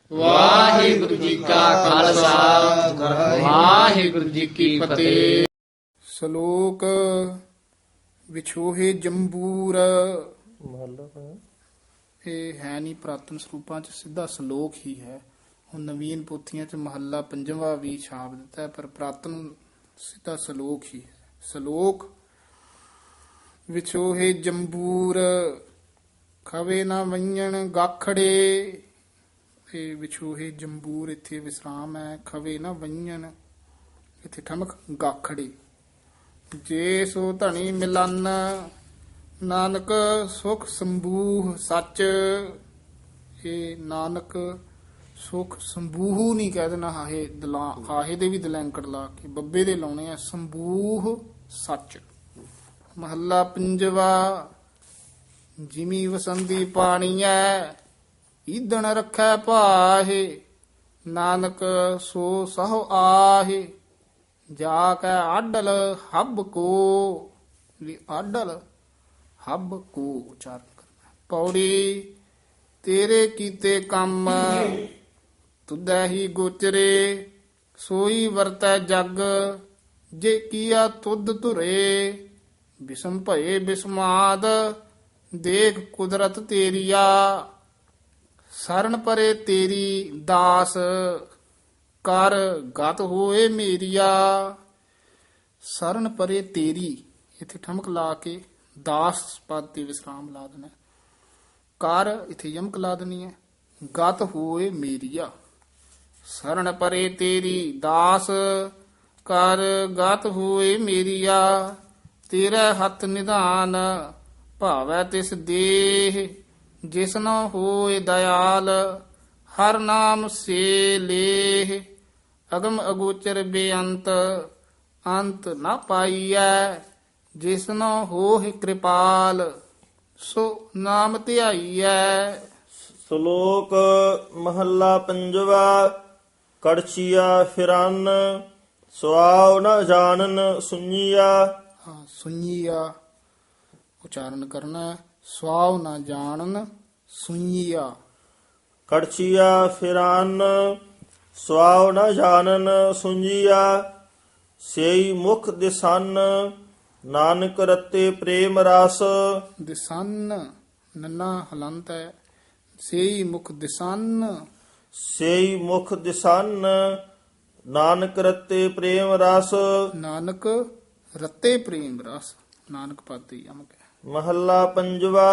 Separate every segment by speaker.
Speaker 1: ਵਾਹਿਗੁਰੂ ਜੀ ਕਾ ਖਾਲਸਾ ਵਾਹਿਗੁਰੂ ਜੀ ਕੀ ਫਤਿਹ।
Speaker 2: ਸ਼ਲੋਕ ਵਿਛੋਹੇ ਜੰਬੂਰ। ਇਹ ਹੈ ਨਹੀਂ ਪੁਰਾਤਨ ਸਰੂਪਾਂ ਚ, ਸਿੱਧਾ ਸ਼ਲੋਕ ਹੀ ਹੈ। ਹੁਣ ਨਵੀਨ ਪੋਥੀਆਂ ਚ ਮਹੱਲਾ ਪੰਜਵਾਂ ਵੀ ਛਾਪ ਦਿੱਤਾ ਹੈ, ਪਰ ਪੁਰਾਤਨ ਸਿੱਧਾ ਸ਼ਲੋਕ ਹੀ ਹੈ। ਸ਼ਲੋਕ ਵਿਛੋਹੇ ਜੰਬੂਰ ਖਵੇ ਨਾ ਵੰਜਣ ਗਾਖੜੇ। ਇਹ ਵਿਛੋਹੇ ਜੰਬੂਰ ਇੱਥੇ ਵਿਸਰਾਮ ਹੈ। ਖਵੇ ਨਾ ਵੰਜਣ ਇੱਥੇ ਠਮਕ ਗਾਖੜੇ। ਜੇ ਸੋ ਧਣੀ ਮਿਲਨ ਨਾਨਕ ਸੁਖ ਸੰਬੂਹ ਸੱਚ। ਇਹ ਨਾਨਕ ਸੁਖ ਸੰਬੂਹ ਨਹੀਂ ਕਹਿ ਦੇਣਾ, ਹਾਹੇ ਦੇ ਵੀ ਦਲੈਂਕੜ ਲਾ ਕੇ ਬੱਬੇ ਦੇ ਲਾਉਣੇ ਆ। ਸੰਬੂਹ ਸੱਚ। ਮਹੱਲਾ ਪੰਜਵਾ। ਜਿਮੀ ਵਸੰਦੀ ਪਾਣੀਐ ਈਦਣ ਰੱਖੈ ਭਾਹੇ। ਨਾਨਕ ਸੋ ਸਹੁ ਆਹੇ ਜਾ ਕੈ ਆਡਲ ਹੱਬ ਕੋ। ਵੀ ਆਡਲ ਹੱਬ ਕੋ ਉਚਾਰਨ ਕਰਨਾ। ਪੌੜੀ ਤੇਰੇ ਕੀਤੇ ਕੰਮ ਤੁਧੈ ਹੀ ਗੋਚਰੇ। ਸੋਈ ਵਰਤੈ ਜਗ ਜੇ ਕੀਆ ਤੁਧ ਧੁਰੇ। ਬਿਸਮ ਭਏ ਬਿਸਮਾਦ ਦੇਖ ਕੁਦਰਤ ਤੇਰੀਆ। ਸਰਨ ਪਰੇ ਤੇਰੀ ਦਾਸ ਕਰ ਗਤ ਹੋਏ ਮੇਰੀਆ। ਸਰਨ ਪਰੇ ਤੇਰੀ ਇੱਥੇ ਠਮਕ ਲਾ ਕੇ ਦਾਸ ਪਦ ਤੇ ਵਿਸਰਾਮ ਲਾ ਦੇਣਾ। ਕਰ ਇੱਥੇ ਯਮਕ ਲਾ ਦੇਣੀ ਹੈ। ਗਤ ਹੋਏ ਮੇਰੀਆ। ਸਰਨ ਪਰੇ ਤੇਰੀ ਦਾਸ ਕਰ ਗਤ ਹੋਏ ਮੇਰੀਆ। ਤੇਰਾ ਹੱਥ ਨਿਧਾਨ ਭਾਵੈ ਤਿਸ ਦੇਹ। ਜਿਸਨੋ ਹੋਏ ਦਇਆਲ ਹਰ ਨਾਮ ਸੇ ਲੇਹ। ਅਗਮ ਅਗੋਚਰ ਬੇਅੰਤ ਅੰਤ ਨਾ ਪਾਈਐ। ਜਿਸਨੋ ਹੋਏ ਕਿਰਪਾਲ ਸੋ ਨਾਮ ਧਿਆਈਐ।
Speaker 3: ਸ਼ਲੋਕ ਮਹੱਲਾ ਪੰਜਵਾ। ਕੜਛੀਆ ਫਿਰਨ ਸੁਆਉ ਨ ਜਾਣਨ ਸੁਣੀਆ।
Speaker 2: ਸੁਣੀਆ ਉਚਾਰਨ ਕਰਨਾ। ਸਵਾਉ ਨਾ ਜਾਣਨ ਸੁਣੀਆ।
Speaker 3: ਕੜਛੀਆ ਫਿਰਨ ਸੁਆਉ ਨ ਜਾਣਨ ਸੁਣੀਆ। ਸੇਈ ਮੁਖ ਦਿਸਨ ਨਾਨਕ ਰਤੇ ਪ੍ਰੇਮ ਰਸ।
Speaker 2: ਦਿਸਨ ਨੰਨਾ ਹਲੰਤ ਹੈ। ਸੇਈ ਮੁਖ ਦਿਸਨ।
Speaker 3: ਸੇਈ ਮੁਖ ਦਿਸਨ ਨਾਨਕ ਰਤੇ ਪ੍ਰੇਮ ਰਸ।
Speaker 2: ਨਾਨਕ ਰਤੇ ਪ੍ਰੇਮ ਰਸ। ਨਾਨਕ ਪਾਤੀ ਯਮਕ ਹੈ।
Speaker 3: ਮਹੱਲਾ ਪੰਜਵਾ।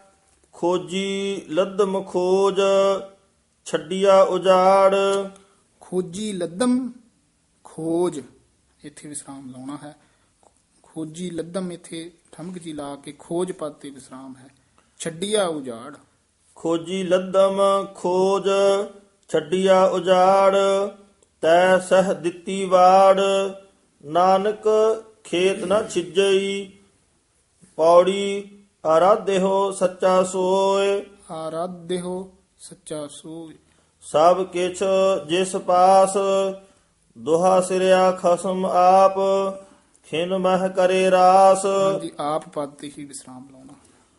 Speaker 3: ਖੋਜੀ ਲੱਦਮ ਖੋਜ ਛੱਡਿਆ ਉਜਾੜ।
Speaker 2: ਖੋਜੀ ਲੱਦਮ ਖੋਜ ਇੱਥੇ ਵਿਸਰਾਮ ਲਾਉਣਾ ਹੈ। ਖੋਜੀ ਲੱਦਮ ਇੱਥੇ ਠਮਕ ਜੀ ਲਾ ਕੇ ਖੋਜ ਪਦ ਤੇ ਵਿਸਰਾਮ ਹੈ। ਛੱਡਿਆ ਉਜਾੜ।
Speaker 3: ਖੋਜੀ ਲੱਦਮ ਖੋਜ ਛੱਡਿਆ ਉਜਾੜ। ਤੈ ਸਹ ਦਿੱਤੀ ਵਾੜ ਨਾਨਕ ਖੇਤ ਨ ਛਿਜਈ। ਪੌੜੀ ਆਰਾਧਿਓ ਸੱਚਾ ਸੋਏ।
Speaker 2: ਆਰਾਧਿਓ ਸੱਚਾ ਸੋਏ।
Speaker 3: ਸਭ ਕਿਛ ਜਿਸ ਪਾਸ ਦੁਹਾ ਸਿਰਿਆ ਖਸਮ ਆਪ। ਖਿਨ ਮਹਿ ਕਰੇ ਰਾਸ।
Speaker 2: ਹਾਂਜੀ ਆਪ ਪਦ ਤੇ ਹੀ ਵਿਸਰਾਮ ਲਾਉਣਾ।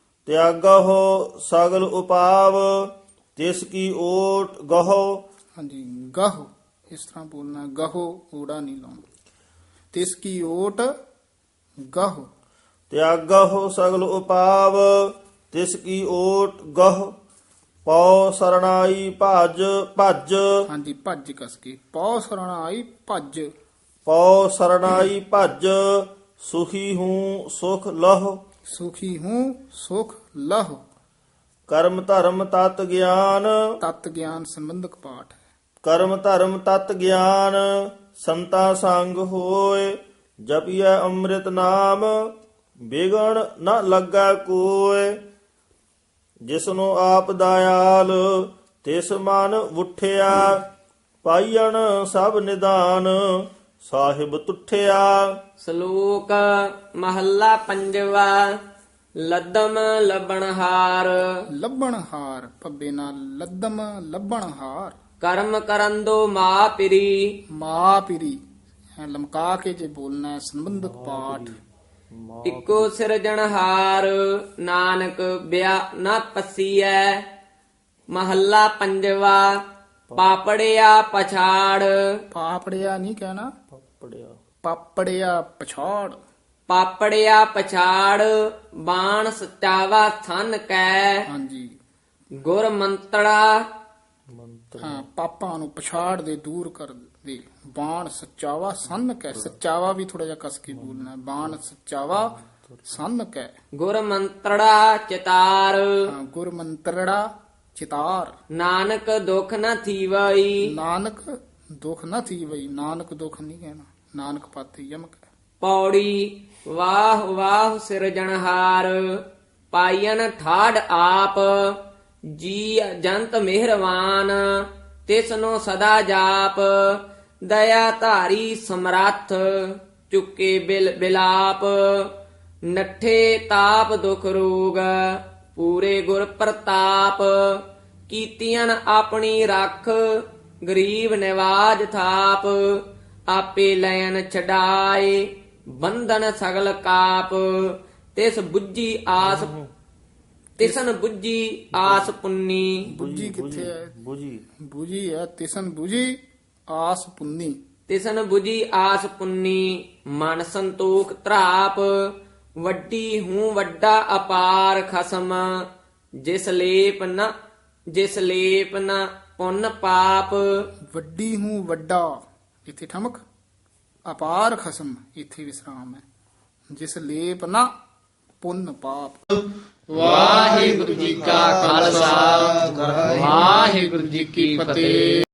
Speaker 3: ਤਿਆਗਹੁ ਸਗਲ ਉਪਾਵ ਤਿਸ ਕੀ ਓਟ ਗਹੋ।
Speaker 2: ਹਾਂਜੀ ਗਹੁ ਇਸ ਤਰ੍ਹਾਂ ਬੋਲਣਾ। ਗਹੋ ਊੜਾ ਨਹੀਂ ਲਾਉਣਾ। ਤਿਸ ਕੀ ਓਟ ਗਹੁ।
Speaker 3: ਤਿਆਗਹੁ ਸਗਲ ਉਪਾਵ ਤਿਸ ਕੀ ਓਟ ਗਹੁ। ਪਉ ਸਰਣਾਈ ਭਜ ਭਜ।
Speaker 2: ਹਾਂਜੀ ਭੱਜ ਕਸ ਕੇ ਪਉ ਸਰਣਾ ਆਈ ਭੱਜ।
Speaker 3: ਪਉ ਸਰਣਾਈ ਭਜ ਸੁਖੀ ਹੂੰ ਸੁਖ ਲਹੁ।
Speaker 2: ਸੁਖੀ ਹੂੰ ਸੁਖ ਲਹੁ।
Speaker 3: ਕਰਮ ਧਰਮ ਤਤ ਗਿਆਨ।
Speaker 2: ਤਤ ਗਿਆਨ ਸੰਬੰਧਕ ਪਾਠ ਹੈ।
Speaker 3: ਕਰਮ ਧਰਮ ਤਤ ਗਿਆਨ ਸੰਤਾ ਸੰਗ ਹੋਏ। ਜਪਿਐ ਅੰਮ੍ਰਿਤ ਨਾਮ ਬਿਗਣ ਨ ਲੱਗਾ ਕੋਇ। ਜਿਸਨੂੰ ਆਪ ਦਇਆਲ ਤਿਸ ਮਨ ਉਠਿਆ। ਪਾਈਣ ਸਭ ਨਿਦਾਨ ਸਾਹਿਬ ਤੁਠਿਆ।
Speaker 1: ਸ਼ਲੋਕ ਮਹੱਲਾ ਪੰਜਵਾ। ਲੱਦਮ ਲੱਭਣਹਾਰ
Speaker 2: ਲੱਭਣ ਹਾਰ ਭੱਬੇ ਨਾਲ ਲੱਦਮ ਲੱਭਣ ਹਾਰ।
Speaker 1: ਕਰਮ ਕਰਨ ਦੋ ਮਾ ਪਿਰੀ।
Speaker 2: ਮਾ ਪਿਰੀ ਲਮਕਾ ਕੇ ਜੇ ਬੋਲਣਾ ਹੈ, ਸੰਬੰਧਕ ਪਾਠ।
Speaker 1: ਇੱਕੋ ਸਿਰਜਣਹਾਰ ਨਾਨਕ ਬਿਆ ਨਾ ਪਸੀਐ। ਮਹੱਲਾ ਪੰਜਵਾ। ਪਾਪੜਿਆ ਪਛਾੜ
Speaker 2: ਪਾਪੜਿਆ ਨਹੀਂ ਕਹਿਣਾ,
Speaker 3: ਪੜਿਆ
Speaker 2: ਪਾਪੜਿਆ ਪਛਾੜ।
Speaker 1: ਪਾਪੜਿਆ ਪਛਾੜ ਬਾਣ ਸਚਾਵਾ ਥਨ ਕੈ
Speaker 2: ਹਾਂਜੀ,
Speaker 1: ਗੁਰ ਮੰਤੜਾ
Speaker 3: ਮੰਤਰ
Speaker 2: ਹਾਂ, ਪਾਪਾਂ ਨੂੰ ਪਛਾੜ ਦੇ, ਦੂਰ ਕਰ ਦੇ। ਬਾਣ ਸੱਚਾਵਾ ਸੰਨ ਕੈ, ਸੱਚਾਵਾ ਵੀ ਥੋੜਾ ਜਿਹਾ ਕਸ ਕੇ ਬੋਲਣਾ ਹੈ। ਬਾਣ ਸੱਚਾਵਾ ਸੰਨ ਕੈ।
Speaker 1: ਗੁਰ ਮੰਤੜਾ ਚਿਤਾਰ
Speaker 2: ਹਾਂ, ਗੁਰ ਮੰਤਰੜਾ ਚਿਤਾਰ।
Speaker 1: ਨਾਨਕ ਦੁਖ ਨ ਥੀਵਈ
Speaker 2: ਨਾਨਕ ਦੁਖ ਨਾ ਥੀ ਬਈ, ਨਾਨਕ ਦੁਖ ਨਹੀਂ ਕਹਿਣਾ, ਨਾਨਕ ਪਾਤੇ ਯਮਕ ਹੈ।
Speaker 1: ਪੌੜੀ ਵਾਹ ਵਾਹ ਸਿਰਜਣਹਾਰ ਪਾਈਨ ਠਾੜ ਆਪ ਜੀ ਜੰਤ ਮਿਹਰਵਾਨ ਤਿਸਨੋ ਸਦਾ ਜਾਪ ਦਇਆ ਧਾਰੀ ਸਮਰੱਥ ਚੁੱਕੇ ਬਿਲਾਪ ਨੱਠੇ ਤਾਪ ਦੁਖ ਰੋਗ ਪੂਰੇ ਗੁਰ ਪ੍ਰਤਾਪ ਕੀਤੀਆਂ ਆਪਣੀ ਰੱਖ ਗਰੀਬ ਨਿਵਾਜ ਥਾਪ ਆਪੇ ਲੈਨ ਛਡਾਏ ਬੰਧਨ ਸਗਲ ਕਾਪ ਤਿਸ ਬੁੱਝੀ ਆਸ ਤਿਸਨ ਬੁੱਝੀ ਆਸ ਪੁੰਨੀ
Speaker 2: ਬੁੱਝੀ ਕਿੱਥੇ ਹੈ?
Speaker 3: ਬੁਝੀ
Speaker 2: ਬੁਝੀ ਹੈ, ਤਿਸਨ ਬੁਝੀ ਆਸ ਪੁੰਨੀ।
Speaker 1: ਤਿਸਨ ਬੁਝੀ ਆਸ ਪੁੰਨੀ ਮਨ ਸੰਤੋਖ ਧਰਾਪ ਵੱਡੀ ਹੂੰ ਵੱਡਾ ਅਪਾਰ ਖਸਮ ਜਿਸ ਲੇਪ ਨ ਪੁੰਨ ਪਾਪ
Speaker 2: ਵੱਡੀ ਹੂੰ ਵੱਡਾ, ਇੱਥੇ ਠਮਕ। ਅਪਾਰ ਖਸਮ, ਇੱਥੇ ਵਿਸਰਾਮ ਹੈ। ਜਿਸ ਲੇਪ ਨਾ ਪੁੰਨ ਪਾਪ।
Speaker 1: ਵਾਹਿਗੁਰੂ ਜੀ ਕਾ ਖਾਲਸਾ ਵਾਹਿਗੁਰੂ ਜੀ ਕੀ ਫਤਿਹ।